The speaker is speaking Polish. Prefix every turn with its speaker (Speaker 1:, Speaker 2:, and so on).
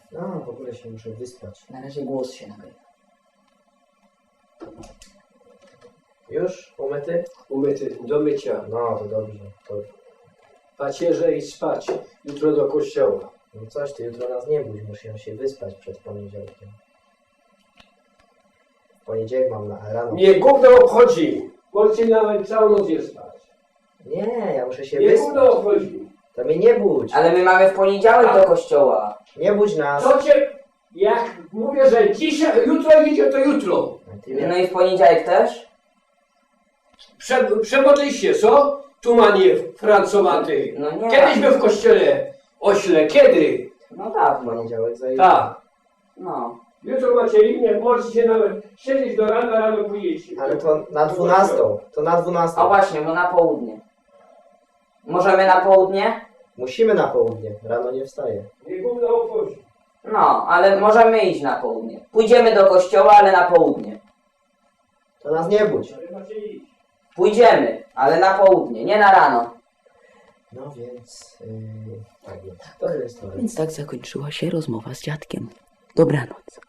Speaker 1: No, w ogóle się muszę wyspać.
Speaker 2: Na razie głos się nagrywa.
Speaker 1: Już? Umyty?
Speaker 3: Umyty, do mycia.
Speaker 1: No, to dobrze. To...
Speaker 3: Pacierze i spać. Jutro do kościoła.
Speaker 1: No coś, ty jutro nas nie budź, muszę się wyspać przed poniedziałkiem. W poniedziałek mam na rano.
Speaker 3: Mnie gówno obchodzi. Możecie nawet całą noc nie spać.
Speaker 1: Nie, ja muszę się
Speaker 3: Mnie
Speaker 1: wyspać.
Speaker 3: gówno obchodzi.
Speaker 1: To mnie nie budź.
Speaker 2: Ale my mamy w poniedziałek do kościoła.
Speaker 1: Nie budź nas.
Speaker 3: Co cię... Jak mówię, że dzisiaj, jutro idzie, to jutro.
Speaker 1: A ty mnie...
Speaker 2: No i w poniedziałek też?
Speaker 3: Przemodliście, co? Tumanie francowaty.
Speaker 2: No nie.
Speaker 3: Kiedyśmy w kościele ośle. Kiedy?
Speaker 2: No
Speaker 1: W
Speaker 2: dawno.
Speaker 1: poniedziałek zajdzie.
Speaker 3: Tak.
Speaker 2: No.
Speaker 3: Jutro macie inne, możecie nawet siedzieć do rana, rano pójdziecie.
Speaker 1: Ale to na 12. To na 12.
Speaker 2: A właśnie, bo na południe. Możemy na południe?
Speaker 1: Musimy na południe. Rano nie wstaję.
Speaker 3: Nie gówno obchodzi.
Speaker 2: No, ale możemy iść na południe. Pójdziemy do kościoła, ale na południe.
Speaker 1: To nas nie budź.
Speaker 3: Ale macie iść.
Speaker 2: Pójdziemy, ale na południe, nie na rano.
Speaker 1: No więc... tak jest. To jest to.
Speaker 4: Więc tak zakończyła się rozmowa z dziadkiem. Dobranoc.